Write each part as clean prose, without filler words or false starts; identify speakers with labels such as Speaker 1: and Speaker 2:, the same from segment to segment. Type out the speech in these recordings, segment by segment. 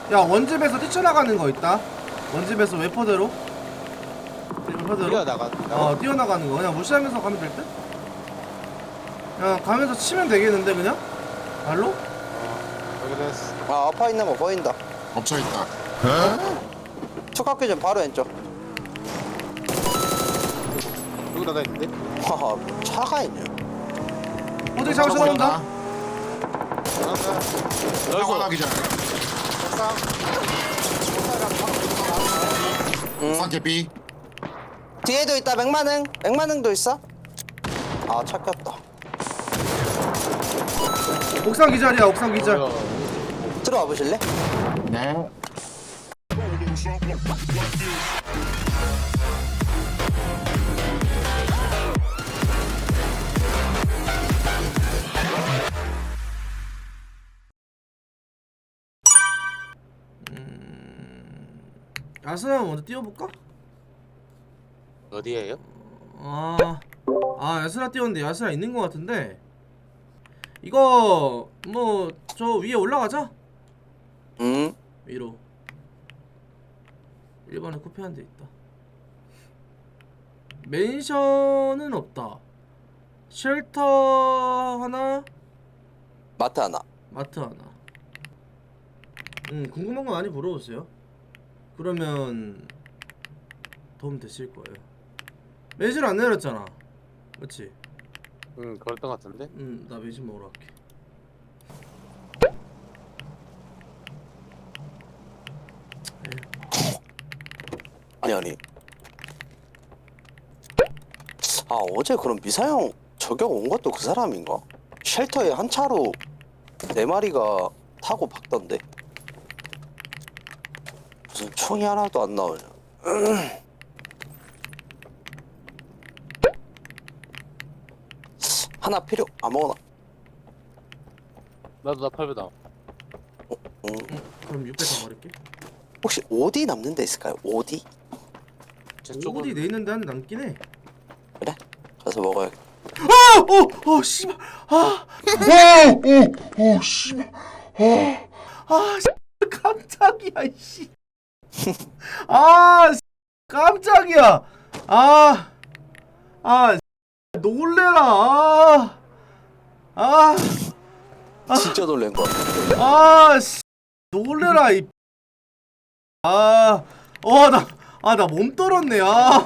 Speaker 1: 야 원집에서 뛰쳐나가는 거 있다. 원집에서 웨퍼대로.
Speaker 2: 뛰어나가.
Speaker 1: 뛰어나가는 거 그냥 무시하면서 가면 될 듯? 그냥 가면서 치면 되겠는데 그냥? 발로?
Speaker 2: 여기 됐어.
Speaker 3: 아 아파 있는 거 보인다.
Speaker 4: 엎쳐있다.
Speaker 3: 축학교 전 바로 왼쪽.
Speaker 2: 여기 나가 있는데?
Speaker 3: 하하 차가 있네.
Speaker 1: 어떻게 잡을 수 나온다?
Speaker 4: 사고 나기 전에. 옥상 개피.
Speaker 3: 뒤에도 있다. 맥만흥도 있어. 아 찾겼다.
Speaker 1: 옥상 기절이야 옥상 기절.
Speaker 3: 들어와 보실래?
Speaker 4: 네.
Speaker 1: 야스나 먼저 뛰어볼까?
Speaker 2: 어디에요?
Speaker 1: 야스나 뛰었는데 야스나 있는 거 같은데 이거 뭐 저 위에 올라가자. 위로 1번에 쿠페 한 대 있다. 맨션은 없다. 쉘터 하나,
Speaker 3: 마트 하나.
Speaker 1: 마트 하나. 궁금한 거 많이 물어보세요. 그러면 도움 되실 거예요. 맨션 안 내렸잖아. 그렇지?
Speaker 2: 응, 그랬던 것 같은데?
Speaker 1: 나 맨션 먹으러 갈게.
Speaker 3: 아니. 아 어제 그럼 미사형 저격 온 것도 그 사람인가? 쉘터에 한 차로 4마리가 타고 박던데. 무슨 총이 하나도 안 나오냐. 하나 필요 아무거나.
Speaker 2: 나도 나 8배 나.
Speaker 1: 그럼 600 더 버릴게.
Speaker 3: 혹시 오디 남는 데 있을까요? 오디?
Speaker 2: 제 쪽은
Speaker 1: 어디 내 있는데 한 대 남긴 해.
Speaker 3: 그래? 가서 먹어야겠다.
Speaker 1: 씨발.
Speaker 4: 오, 씨발.
Speaker 1: 깜짝이야, 씨. 깜짝이야. 놀래라.
Speaker 3: 진짜 놀란 거 같아.
Speaker 1: 놀래라, 이. 나 몸 떨었네,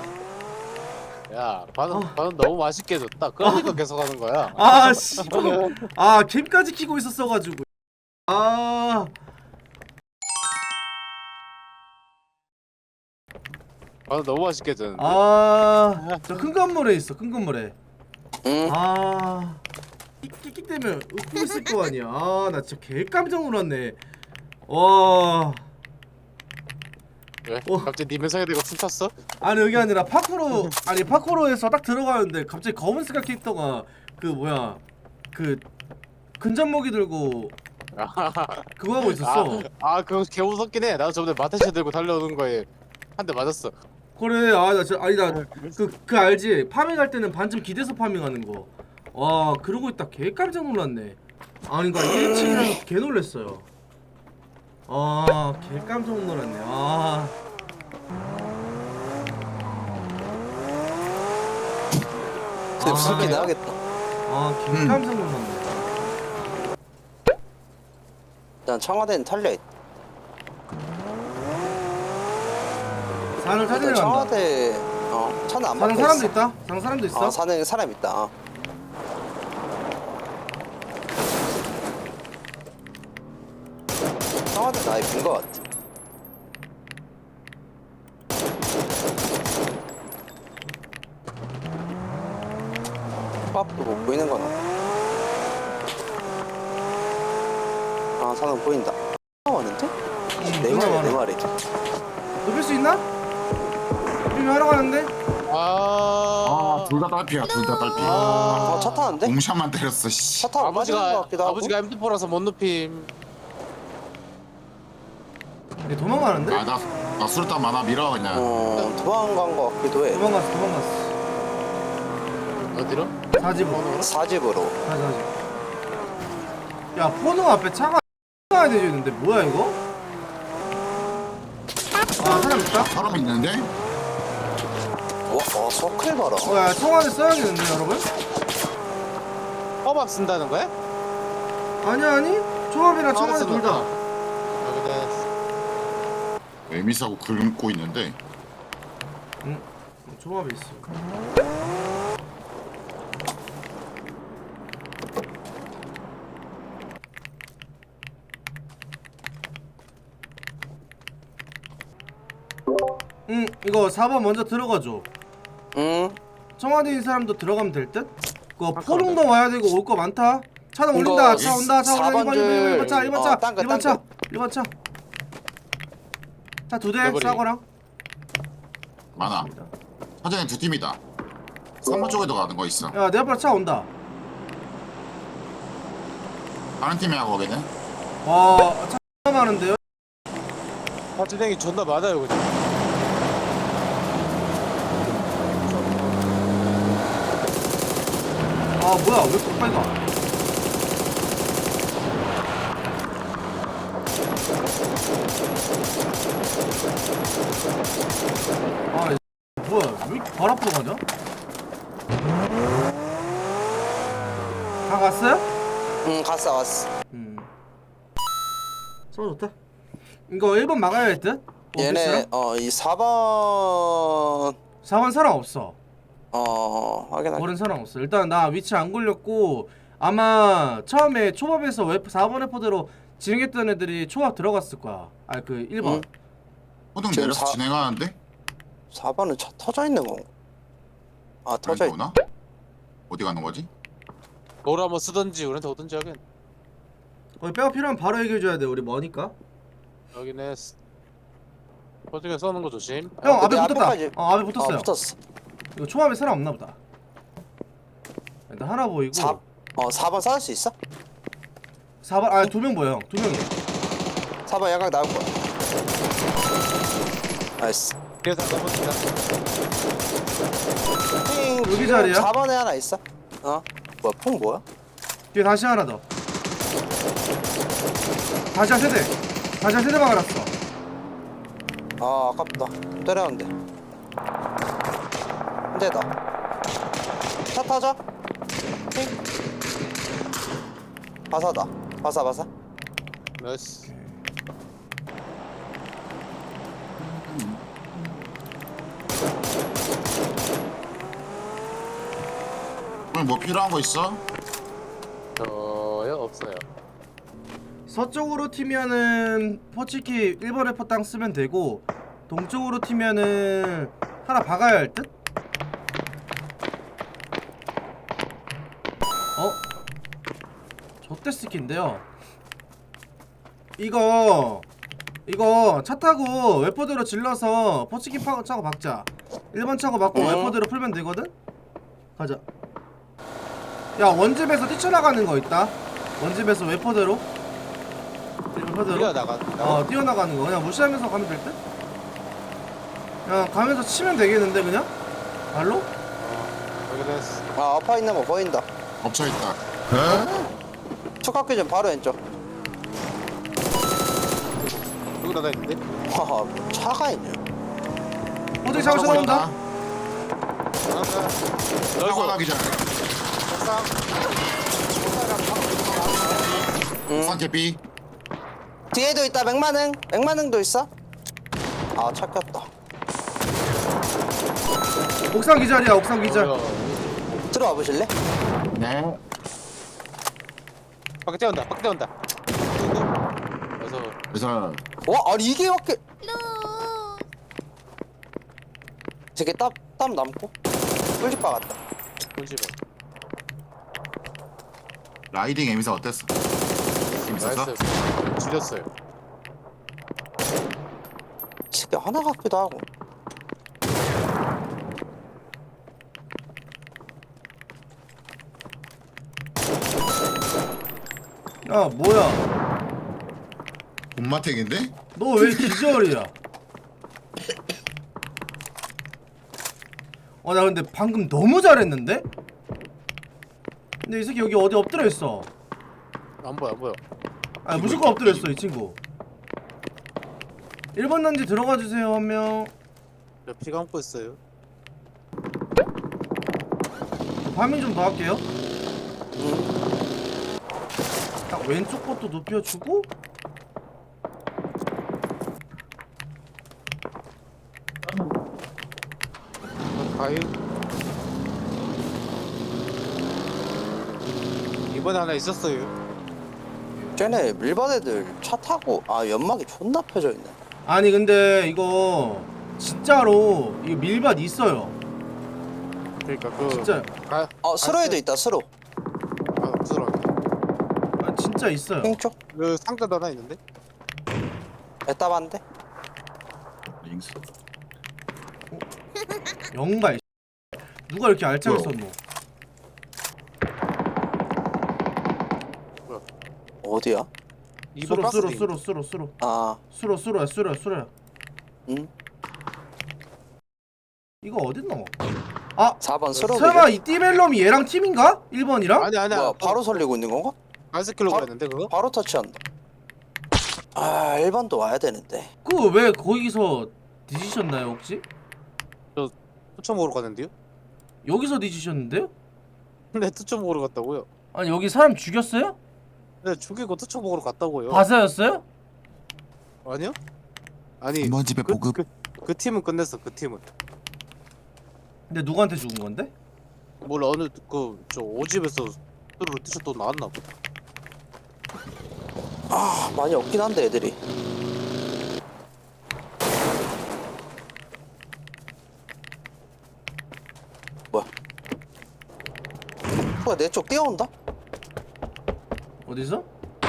Speaker 2: 야, 반은 너무 맛있게 줬다. 그러니까 계속 하는 거야.
Speaker 1: 씨발. 캠까지 키고 있었어가지고.
Speaker 2: 반은 너무 맛있게 줬는데.
Speaker 1: 저 큰 건물에 있어, 큰 건물에.
Speaker 3: 응?
Speaker 1: 끽끽 때문에 웃고 있을 거 아니야. 나 진짜 개 깜짝 놀랐네. 와.
Speaker 2: 왜? 갑자기 네 면상에 대고 춤췄어?
Speaker 1: 아니 여기 아니라 파쿠로에서 딱 들어가는데 갑자기 검은 색깔 캐릭터가 그 근접무기 들고 그거 하고 있었어.
Speaker 2: 그거 개 무섭긴 해. 나도 저번에 마테시 들고 달려오는 거에 한 대 맞았어.
Speaker 1: 그래. 그 알지? 파밍할 때는 반쯤 기대서 파밍하는 거. 와, 그러고 있다 개 깜짝 놀랐네. 그러니까 1인칭이라서 개 놀랬어요. 개 깜짝 놀랐네.
Speaker 3: 근데 무섭긴 하겠다.
Speaker 1: 개 깜짝 놀랐네.
Speaker 3: 난 청와대는 털려있다.
Speaker 1: 산을 찾으러 간다.
Speaker 3: 청와대 차는 안
Speaker 1: 사는
Speaker 3: 막혀
Speaker 1: 사람도
Speaker 3: 있어.
Speaker 1: 있다. 사는 사람도 있어.
Speaker 3: 사는 사람 있다. 청와대 나이 빈거 같아. 밥도 못 보이는 거나. 사람 보인다. 왔는데? 네
Speaker 1: 누나
Speaker 3: 마리,
Speaker 1: 많아.
Speaker 3: 네 마리.
Speaker 1: 눕힐 수 있나? 눕히면 하러 가는데?
Speaker 4: 둘 다 딸피야, 둘 다 딸피.
Speaker 3: 차 타는데?
Speaker 4: 공샷만 때렸어, 씨.
Speaker 3: 차 타고 빠지는 거 같기도 하고.
Speaker 2: 아버지가 MT4라서 못 눕힘.
Speaker 1: 얘 도망가는데?
Speaker 4: 나 수류탄 많아, 밀어, 그냥.
Speaker 3: 도망간 거 같기도 해.
Speaker 1: 도망갔어.
Speaker 2: 어디로?
Speaker 1: 사집으로.
Speaker 3: 사집으로.
Speaker 1: 야, 포노 앞에 차가 가야 되겠는데 뭐야 이거? 아 사람 있다?
Speaker 4: 사람 있는데?
Speaker 3: 와 서클 봐라.
Speaker 1: 야 청와대 써야겠는데 여러분?
Speaker 2: 허밥 쓴다는 거야?
Speaker 1: 아니 조합이랑 청와대
Speaker 2: 써놨나?
Speaker 1: 둘다
Speaker 2: 여기다.
Speaker 4: 에미사고 긁고 있는데.
Speaker 1: 조합이 있어. 이거 4번 먼저 들어가줘.
Speaker 3: 응.
Speaker 1: 청와대인 사람도 들어가면 될 듯? 그거 포롱도 와야 되고 올 거 많다. 차는 올린다. 차 온다. 차 온다. 1번, 1번 차, 1번 차, 1번 차, 1번 차. 차 2대
Speaker 2: 내버리기.
Speaker 1: 싸거랑.
Speaker 4: 많아. 사장님 두 팀이다. 3번 쪽에도 가는 거 있어.
Speaker 1: 야, 내 앞으로 차 온다.
Speaker 4: 다른 팀이야 거기는.
Speaker 1: 와, 차 많은데요?
Speaker 2: 파트댕이 존나 많아요 그죠?
Speaker 1: 아, 뭐야? 왜 이렇게 빨리 가? 아, 뭐야? 왜 이렇게 발 앞으로 가냐? 다 갔어요?
Speaker 3: 응 갔어.
Speaker 1: 서 좋다. 이거 1번 막아야 할 듯?
Speaker 3: 얘네 이 4번
Speaker 1: 4번 사람 없어.
Speaker 3: 확인할게.
Speaker 1: 모르는 사람 없어. 일단 나 위치 안 걸렸고 아마 처음에 초밥에서 4번 래퍼대로 진행했던 애들이 초밥 들어갔을 거야. 아 그 1번.
Speaker 3: 응.
Speaker 4: 호등
Speaker 3: 지금
Speaker 4: 내려서 진행하는데?
Speaker 3: 4번은 차 터져 있는 거. 아 터져 있.
Speaker 4: 오나? 어디 가는 거지?
Speaker 2: 뭘 한번 쓰던지 우리한테 오든지 하긴.
Speaker 1: 거기 빼가 필요하면 바로 얘기해줘야 돼. 우리 머니까.
Speaker 2: 여기네. 퍼즐에 써는 거 조심.
Speaker 1: 형 앞에
Speaker 3: 내
Speaker 1: 붙었다.
Speaker 3: 앞에까지.
Speaker 1: 앞에 붙었어요.
Speaker 3: 붙었어.
Speaker 1: 이거 초밥에 사람 없나 보다. 일단 하나 보이고.
Speaker 3: 4번 쌓을 수 있어?
Speaker 1: 4번 아 2명 보여 형. 2명이야.
Speaker 3: 4번 야각 나올 거야. 나이스.
Speaker 2: 그래서 넘어진다.
Speaker 1: 여기 자리야?
Speaker 3: 4번에 하나 있어. 뭐야 퐁 뭐야?
Speaker 1: 뒤에 다시 하나 더. 다시 한 세대. 다시 한 세대 박아놨어.
Speaker 3: 아 아깝다. 때렸는데. 한 대다. 차 타자. 핑. 바사다. 바사.
Speaker 2: 나이스.
Speaker 4: 오늘 뭐 필요한 거 있어?
Speaker 2: 저요 없어요.
Speaker 1: 서쪽으로 튀면은 퍼치키 1번 래퍼 땅 쓰면 되고 동쪽으로 튀면은 하나 박아야 할 듯? 저때 스킨인데요. 이거 차 타고 웨퍼대로 질러서 퍼치키 차고 박자. 1번 차고 박고 웨퍼대로 풀면 되거든? 가자. 야 원집에서 뛰쳐나가는 거 있다. 원집에서 웨퍼대로
Speaker 2: 뛰어나가.
Speaker 1: 뛰어나가는 거 그냥 무시하면서 가면 될 듯? 그냥 가면서 치면 되겠는데 그냥? 발로?
Speaker 2: 여기네.
Speaker 3: 아 아파 있는 거 보인다.
Speaker 4: 엎쳐 있다.
Speaker 3: 축학교 전 바로 왼쪽.
Speaker 2: 여기 나가 있는데.
Speaker 3: 와 차가 있네.
Speaker 1: 어디 차고 쳐다본다?
Speaker 4: 사고 나기 전에. 옥상 캐피.
Speaker 3: 뒤에도 있다. 맥만흥도 있어. 아 찾겼다.
Speaker 1: 옥상 기절이야 옥상 기절.
Speaker 3: 들어와 보실래?
Speaker 4: 네.
Speaker 2: 밖에 뛰어온다.
Speaker 4: 그래서
Speaker 3: 와 아니 이게 밖에. 저게 땀 남고 꿀집 박았다.
Speaker 2: 꿀집에.
Speaker 4: 라이딩 에미사 어땠어? 재밌었어?
Speaker 2: 나이스. 줄였어요.
Speaker 3: 새끼 하나 같기도 하고.
Speaker 1: 야 뭐야
Speaker 4: 본마택인데?
Speaker 1: 너 왜 기절이야? 나 근데 방금 너무 잘했는데? 근데 이 새끼 여기 어디 엎드려 있어.
Speaker 2: 안 보여.
Speaker 1: 아 무조건 엎드려 있어 이 친구. 1번 단지 들어가 주세요 한 명.
Speaker 2: 저 피 감고 있어요.
Speaker 1: 파밍 좀 더 할게요.
Speaker 3: 응.
Speaker 1: 딱 왼쪽 것도 눕혀주고.
Speaker 2: 가요. 이번에 하나 있었어요.
Speaker 3: 쟤네 밀반 애들 차 타고 아 연막이 존나 펴져 있네.
Speaker 1: 아니 근데 이거 진짜로 이거 밀밭 있어요.
Speaker 2: 그러니까 그
Speaker 1: 진짜.
Speaker 2: 가.
Speaker 3: 수로에도 있다 수로.
Speaker 2: 아 부스러.
Speaker 1: 아, 진짜 있어요.
Speaker 3: 핑쪽
Speaker 2: 그 상자도 하나 있는데.
Speaker 3: 에따반데.
Speaker 4: 링스.
Speaker 1: 영발. 누가 이렇게 알차게
Speaker 4: 뭐야?
Speaker 1: 썼노?
Speaker 3: 어디야?
Speaker 2: 이번
Speaker 1: 수로
Speaker 2: 박스
Speaker 1: 수로
Speaker 2: 링.
Speaker 1: 수로 수로 수로
Speaker 3: 아
Speaker 1: 수로야.
Speaker 3: 응.
Speaker 1: 이거 어딨노? 아
Speaker 3: 4번 수로.
Speaker 1: 설마 이 띠벨럼이 얘랑 팀인가? 1번이랑?
Speaker 2: 아니 아니야.
Speaker 3: 뭐야 바로 설리고 있는 건가?
Speaker 2: 아이스킬로
Speaker 3: 바로-
Speaker 2: 그랬는데 그거?
Speaker 3: 바로 터치한다. 아 1번도 와야 되는데.
Speaker 1: 그 왜 거기서 뒤지셨나요 혹시?
Speaker 2: 투척 먹으러 갔는데요?
Speaker 1: 여기서 뒤지셨는데요?
Speaker 2: 근데 투척 먹으러 갔다고요?
Speaker 1: 아니 여기 사람 죽였어요?
Speaker 2: 네 죽이고 투척 먹으러 갔다고요.
Speaker 1: 바사였어요?
Speaker 2: 아니요? 아니
Speaker 4: 3번 집에 보급.
Speaker 2: 그 팀은 끝냈어. 그 팀은.
Speaker 1: 근데 누구한테 죽은 건데?
Speaker 2: 몰라 어느 그저 오집에서 뚜루루 티셔츠 또 나왔나 보다.
Speaker 3: 아 많이 없긴 한데 애들이. 뭐야? 뭐야 내 쪽 뛰어온다?
Speaker 1: 어디서?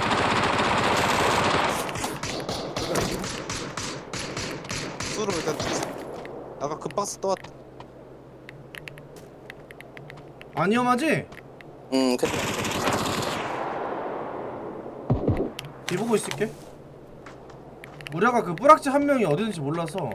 Speaker 2: 뚜루 일단 아까 그 박스 또 왔다.
Speaker 1: 안 위험하지?
Speaker 3: 그
Speaker 1: 뒤보고 있을게. 우리 아까 그 뿌락지 한 명이 어디든지 몰라서.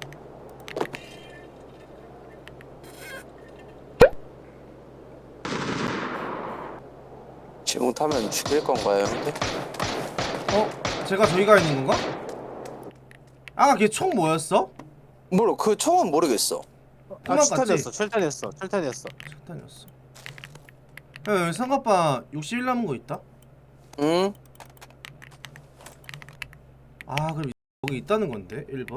Speaker 3: 지붕 타면 죽일 건가요 형들?
Speaker 1: 제가 저기가 있는 건가? 아까 걔 총 뭐였어?
Speaker 3: 모르 그 총은 모르겠어.
Speaker 2: 아
Speaker 1: 토막
Speaker 2: 철탄이었어. 철탄이었어. 철탄이었어.
Speaker 1: 폭탄이었어. 야 여기 상가빠 61 남은 거 있다?
Speaker 3: 응?
Speaker 1: 아 그럼 여기 있다는 건데 1번?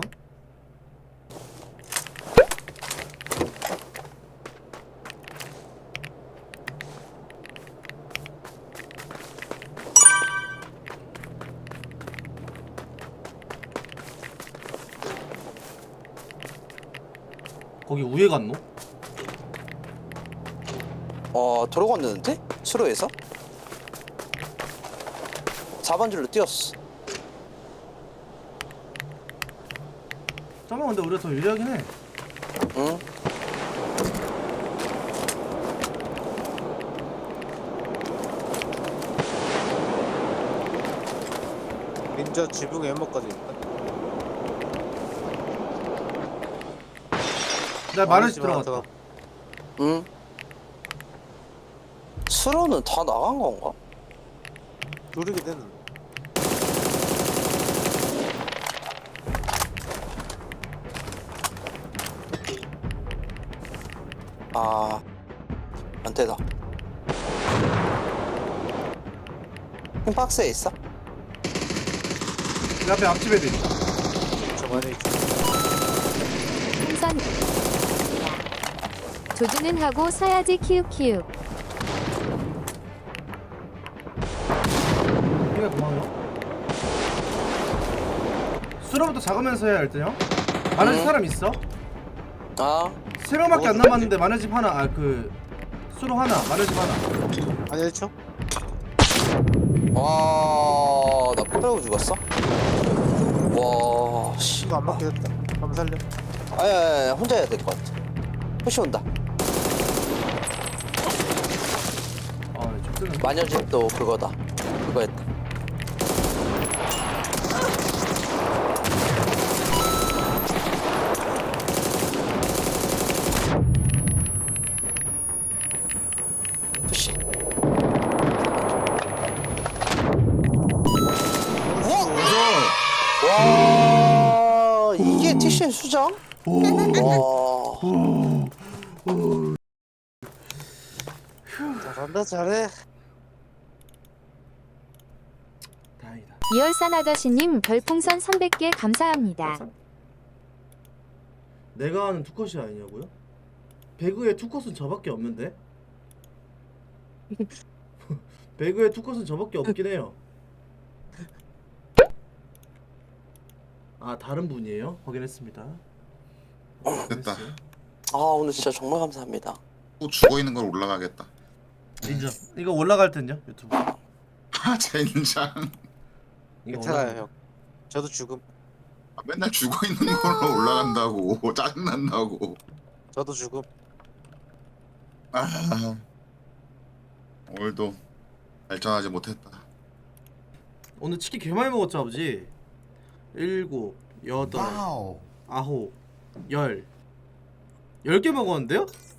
Speaker 1: 거기 우에 갔노?
Speaker 3: 도로 건너는데? 수로에서? 4번 줄로 뛰었어.
Speaker 1: 잠깐만 근데 우리가 더 유리하긴 해.
Speaker 3: 응?
Speaker 2: 닌자 지붕에 연막까지 있다.
Speaker 1: 나 마늘집 들어갔다.
Speaker 3: 응? 수로는 다 나간 건가?
Speaker 2: 누르게 되는.
Speaker 3: 아 안되다. 박스에 있어?
Speaker 1: 내 앞에 앞집 애들 있다.
Speaker 2: 저번에
Speaker 5: 풍선 조준은 하고 서야지 키읔키읔.
Speaker 1: 이게 고마워요. 수로부터 작으면서 해야 할 때 형. 마늘집
Speaker 3: 응.
Speaker 1: 사람 있어?
Speaker 3: 아
Speaker 1: 3명밖에 안 남았는데 마늘집 하나. 아 그 수로 하나 마늘집 하나.
Speaker 2: 아니 1초?
Speaker 3: 와, 나 빼고 죽었어? 와, 씨.
Speaker 2: 이거 안 맞게 됐다. 한번 살려.
Speaker 3: 아야, 혼자 해야 될 것 같아. 푸시 온다.
Speaker 1: 아좀 뜨는.
Speaker 3: 마녀집도 그거다. 그거 했다. 푸시. 와! TC의 수장? 와.
Speaker 2: 잘한다 잘해.
Speaker 1: 다행이다.
Speaker 5: 이열산 아저씨님 별풍선 300개 감사합니다.
Speaker 1: 내가 아는 투컷이 아니냐고요? 배그의 투컷은 저밖에 없는데? 배그의 투컷은 저밖에 없긴 해요. 아 다른 분이에요? 확인했습니다.
Speaker 4: 됐다.
Speaker 3: 아 오늘 진짜 정말 감사합니다.
Speaker 4: 또 죽어있는 걸 올라가겠다.
Speaker 1: 인정. 이거 올라갈 땐요 유튜브.
Speaker 4: 아 젠장.
Speaker 1: 이거
Speaker 2: 괜찮아요 형. 저도 죽음.
Speaker 4: 아, 맨날 죽어있는 걸로 올라간다고. 짜증난다고.
Speaker 2: 저도 죽음.
Speaker 4: 아, 오늘도 발전하지 못했다.
Speaker 1: 오늘 치킨 개 많이 먹었죠 아버지? 7, 8, 9, 10 10개 먹었는데요?